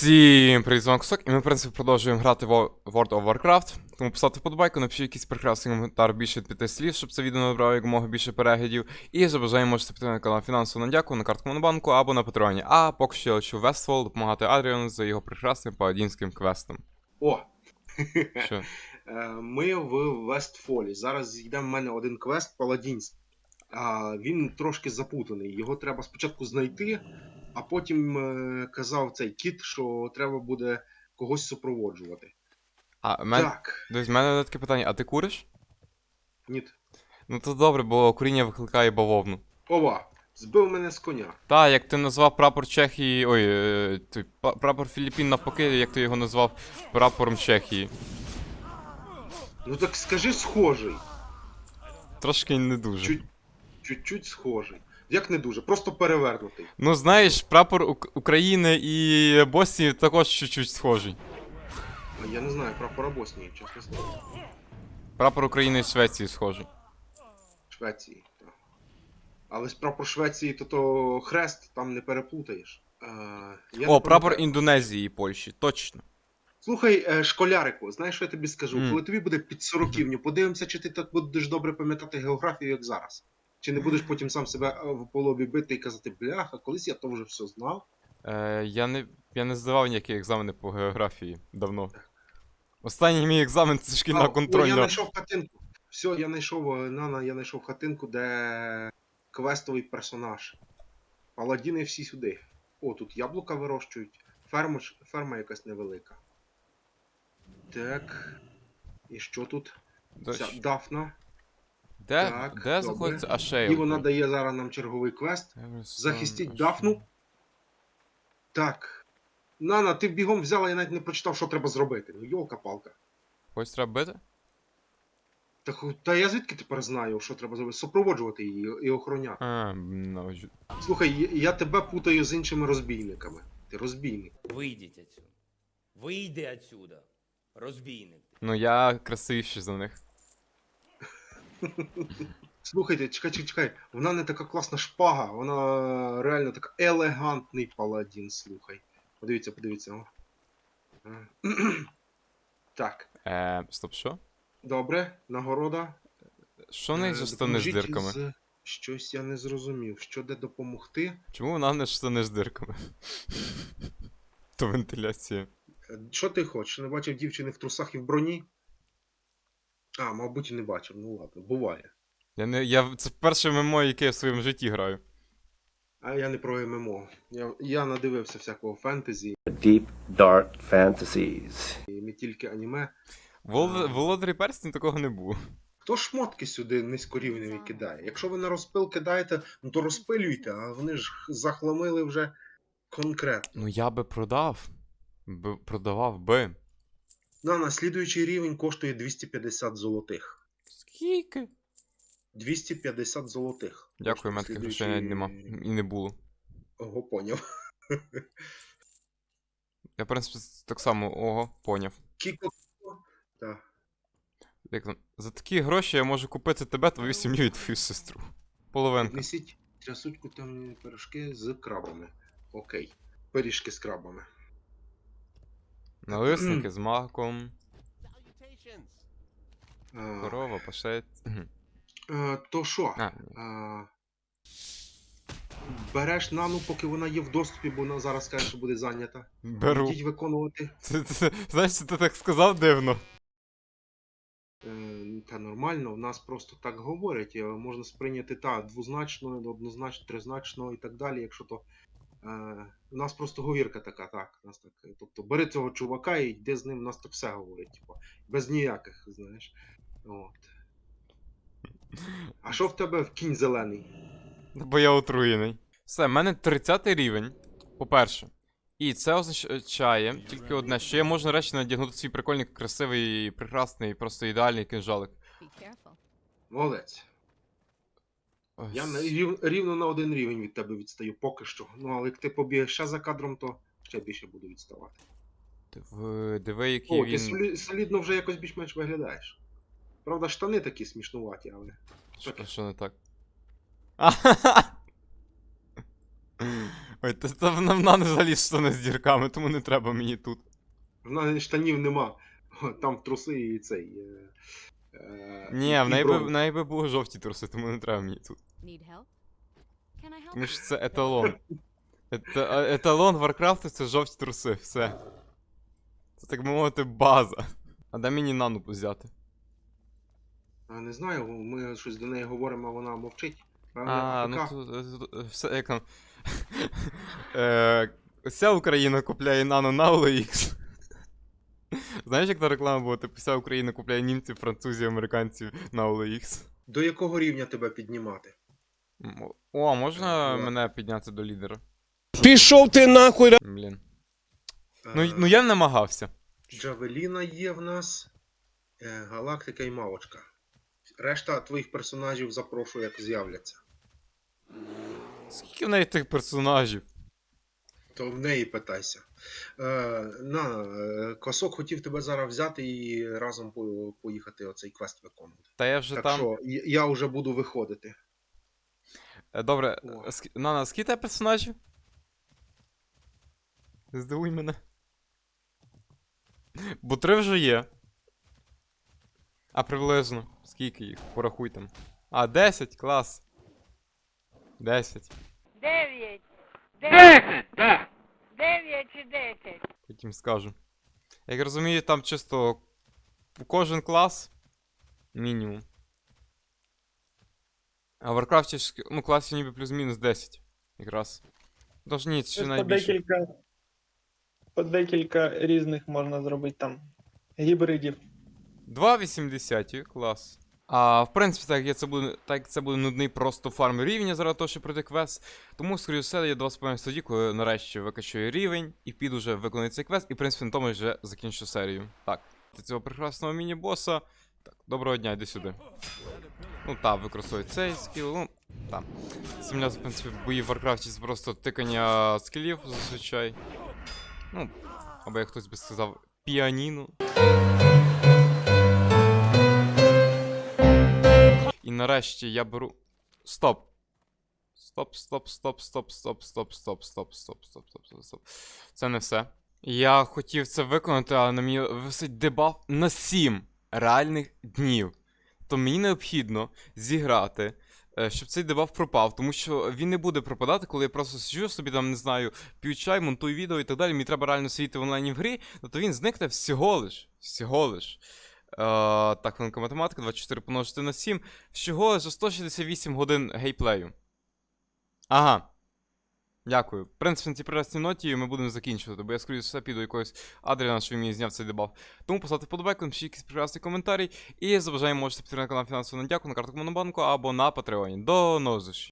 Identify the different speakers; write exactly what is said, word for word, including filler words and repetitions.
Speaker 1: Всім привіт, з вами Кусок, і ми, в принципі, продовжуємо грати в World of Warcraft. Тому поставте вподобайку, напишіть якийсь прекрасний коментар більше від п'яти слів, щоб це відео набрало якомога більше переглядів. І за бажанням можете підтримати на канал фінансово на дяку, на картку Монобанку або на Патреоні. А поки що я лечу в Вестфол допомагати Адріану за його прекрасним паладінським квестом.
Speaker 2: О!
Speaker 1: Що?
Speaker 2: Е, Ми в Вестфолі. Зараз йде в мене один квест паладінський. А, Він трошки запутаний. Його треба спочатку знайти, а потім е, казав цей кіт, що треба буде когось супроводжувати.
Speaker 1: А, мен...
Speaker 2: Так.
Speaker 1: Дивись, в мене таке питання, а ти куриш?
Speaker 2: Ні.
Speaker 1: Ну то добре, бо куріння викликає бавовну.
Speaker 2: Ова! Збив мене з коня.
Speaker 1: Та, як ти назвав прапор Чехії. Ой, е, той, па- прапор Філіппін навпаки, як ти його назвав прапором Чехії.
Speaker 2: Ну так скажи схожий.
Speaker 1: Трошки не дуже.
Speaker 2: Чуть, чуть-чуть схожий. Як не дуже, просто перевернутий.
Speaker 1: Ну, знаєш, прапор Ук- України і Боснії також чуть-чуть схожий.
Speaker 2: А я не знаю, прапора Боснії, чесно слово.
Speaker 1: Прапор України і Швеції схожий.
Speaker 2: Швеції, так. Але з прапор Швеції, то то хрест, там не переплутаєш. Е, я
Speaker 1: О,
Speaker 2: не
Speaker 1: прапор
Speaker 2: пам'ятаю.
Speaker 1: Індонезії і Польщі, точно.
Speaker 2: Слухай, е, школярику, знаєш, що я тобі скажу?
Speaker 1: Мгм.
Speaker 2: Коли тобі буде під сороківню, подивимося, чи ти так будеш добре пам'ятати географію, як зараз. Чи не будеш потім сам себе е, в полобі бити і казати, бляха, колись я то вже все знав.
Speaker 1: Е, я не, я не здавав ніякі екзамени по географії давно. Останній мій екзамен це шкільна
Speaker 2: А, о, я
Speaker 1: контрольна.
Speaker 2: знайшов хатинку. Все, я знайшов, е, Нана, я знайшов хатинку, де квестовий персонаж. Паладіни всі сюди. О, тут яблука вирощують. Ферма, ж- ферма якась невелика. Так. І що тут?
Speaker 1: До-
Speaker 2: Ця Дафна.
Speaker 1: Де,
Speaker 2: Так,
Speaker 1: де
Speaker 2: добре.
Speaker 1: знаходиться
Speaker 2: І
Speaker 1: Ашейл?
Speaker 2: вона дає зараз нам черговий квест. Захистіть Дафну. Так. Нана, ти бігом взяла, я навіть не прочитав, що треба зробити. Ну, йолка-палка.
Speaker 1: Ось треба бити?
Speaker 2: Та, ху- та я звідки тепер знаю, що треба зробити? Супроводжувати її і охороняти.
Speaker 1: А, ну, ж-
Speaker 2: Слухай, я- я тебе путаю з іншими розбійниками. Ти розбійник.
Speaker 3: Вийдіть отсюда. Вийди отсюда. Розбійник.
Speaker 1: ну я красивіший за них.
Speaker 2: Слухайте, чекай, чекай, чекай. Вона не така класна шпага, вона реально така елегантний паладін, слухай. Подивіться, подивіться. О. Е, Так,
Speaker 1: Е, стоп, що?
Speaker 2: добре, нагорода.
Speaker 1: Що в неї
Speaker 2: Е,
Speaker 1: за штани з
Speaker 2: допоможіть
Speaker 1: дирками?
Speaker 2: з- Щось я не зрозумів. Що де допомогти?
Speaker 1: Чому вона не штани з дирками? То вентиляція.
Speaker 2: Е, Що ти хочеш? Не бачив дівчини в трусах і в броні? А, мабуть, і не бачив. Ну ладно, буває.
Speaker 1: Я не. Я. Це перше ММО, яке я в своєму житті граю.
Speaker 2: А я не про ММО. Я, я надивився всякого фентезі
Speaker 4: Deep dark fantasies.
Speaker 2: і не тільки аніме.
Speaker 1: Вол... Володарі перстень такого не було.
Speaker 2: Хто шмотки сюди низькорівневі кидає? Якщо ви на розпил кидаєте, ну то розпилюйте, а вони ж захламили вже конкретно.
Speaker 1: Ну я би продав. Б... Продавав би.
Speaker 2: На наслідуючий рівень коштує двісті п'ятдесят золотих.
Speaker 1: Скільки?
Speaker 2: двісті п'ятдесят золотих.
Speaker 1: Дякую, мене таких грошей навіть нема. І не було.
Speaker 2: Ого, поняв.
Speaker 1: Я, в принципі, так само, ого, поняв.
Speaker 2: Кіко. Так.
Speaker 1: Як там? За такі гроші я можу купити тебе, твою сім'ю і твою сестру. Половинка.
Speaker 2: Несіть трясучку темні пирожки з крабами. Окей. Пиріжки з крабами.
Speaker 1: Налисники з маком.
Speaker 2: А,
Speaker 1: Корова, пашет. Мгм.
Speaker 2: а, то що?
Speaker 1: А, ні.
Speaker 2: А, береш нану, поки вона є в доступі, бо вона зараз каже, що буде зайнята.
Speaker 1: Беру.
Speaker 2: Йдіть виконувати.
Speaker 1: Це, це, знаєш, ти так сказав дивно.
Speaker 2: Е, Та нормально, в нас просто так говорять. е, Можна сприйняти та двозначно, однозначно, тризначно і так далі. Якщо то. Е, у нас просто говірка така, так. У нас так. е, Тобто бери цього чувака і йди з ним, у нас так все говорить. Типу, без ніяких, знаєш. От. А що в тебе в кінь зелений?
Speaker 1: Бо я отруєний. Все, в мене тридцятий рівень, по-перше. І це означає тільки одне, що я можу нарешті надягнути свій прикольний, красивий, прекрасний, просто ідеальний кинжалик.
Speaker 5: Be careful.
Speaker 2: Молодець.
Speaker 1: Ось.
Speaker 2: Я на- рів, рівно на один рівень від тебе відстаю поки що. Ну, але як ти побігаєш ще за кадром, то ще більше буду відставати.
Speaker 1: Диви, диви, який
Speaker 2: О,
Speaker 1: він.
Speaker 2: ти солі- солідно вже якось більш-менш виглядаєш. Правда, штани такі смішнуваті, але.
Speaker 1: Що,
Speaker 2: таке.
Speaker 1: що не так? Ой, та, та вона, вона не взагалі штани з дірками, тому не треба мені тут.
Speaker 2: В неї штанів нема. Там труси і цей. Е, е,
Speaker 1: Ні,
Speaker 2: і
Speaker 1: в неї би,
Speaker 2: бронз.
Speaker 1: в неї би були жовті труси, тому не треба мені тут.
Speaker 5: Need help? Can I help?
Speaker 1: Тому що це еталон. Ета, а- еталон Варкрафту це жовті труси, все. Це, так би мовити, база. А де мені нану взяти?
Speaker 2: А, не знаю, ми щось до неї говоримо, а вона мовчить. Певно,
Speaker 1: А, ну
Speaker 2: АФК.
Speaker 1: тут, тут, е, все, як там. Е, Вся Україна купляє нано на о ел ікс. Знаєш, як та реклама була? Типу, вся Україна купляє німців, французів, американців на о ел ікс.
Speaker 2: До якого рівня тебе піднімати?
Speaker 1: М, О, можна
Speaker 2: Е,
Speaker 1: мене підняти до лідера?
Speaker 6: Пішов ти нахуй!
Speaker 1: Блін. Ну,
Speaker 2: Е,
Speaker 1: ну я намагався.
Speaker 2: Джавеліна є в нас, е, Галактика і Мавочка. Решта твоїх персонажів запрошую, як з'являться.
Speaker 1: Скільки в неї тих персонажів?
Speaker 2: То в неї питайся. Е, на, е, Косок хотів тебе зараз взяти і разом по- поїхати оцей квест виконувати.
Speaker 1: Та я вже
Speaker 2: Так
Speaker 1: там.
Speaker 2: що, я я вже буду виходити.
Speaker 1: Е, Добре,
Speaker 2: О.
Speaker 1: ск- Нана, скільки тебе персонажів? Здивуй мене. Бо три вже є. А приблизно. Скільки їх? Порахуй там. А, десять, клас. десять.
Speaker 7: Дев'ять. Десять, так. Дев'ять чи десять.
Speaker 1: Потім скажу. Як розумію, там чисто кожен клас. Мінімум. А в Варкрафті ж, ну, класів ніби плюс-мінус десять. Якраз. Тож ні, ще
Speaker 8: По
Speaker 1: найбільше.
Speaker 8: декілька, по декілька різних можна зробити там гібридів.
Speaker 1: два вісімдесят, клас. А в принципі, так як це буде, так як це буде нудний просто фарм рівня заради того, щоб пройти квест. Тому, скоріше все, я до вас повинен тоді, коли нарешті викачую рівень і піду вже виконати цей квест, і в принципі на тому вже закінчу серію. Так, до цього прекрасного міні-боса. Так, доброго дня, йди сюди. Ну так, використовую цей скіл, ну, так. Земля, в принципі, бої в Варкрафті це просто тикання скілів зазвичай. Ну, або як хтось би сказав, піаніно. І нарешті я беру. Стоп. Стоп, стоп, стоп, стоп, стоп, стоп, стоп, стоп, стоп, стоп, стоп, стоп, стоп. Це не все. Я хотів це виконати, але на мені висить дебаф на сім реальних днів. То мені необхідно зіграти, е, щоб цей дебаф пропав, тому що він не буде пропадати, коли я просто сиджу собі там, не знаю, п'ю чай, монтую відео і так далі. Мені треба реально сидіти в онлайні в грі, то він зникне всього лиш. Всього лиш. Е, так, хвилинка математика, двадцять чотири помножити на сім. Всього за сто шістдесят вісім годин гейплею. Ага. Дякую. В принципі, на цій прекрасній ноті ми будемо закінчувати, бо я, скоріше все, піду якогось Адріана, що він мені зняв цей дебаф. Тому поставте вподобайку, напишіть якийсь прекрасний коментарій. І за бажанням можете підтримати канал фінансово на дяку на картку Монобанку або на Патреоні. До нових зустрічей.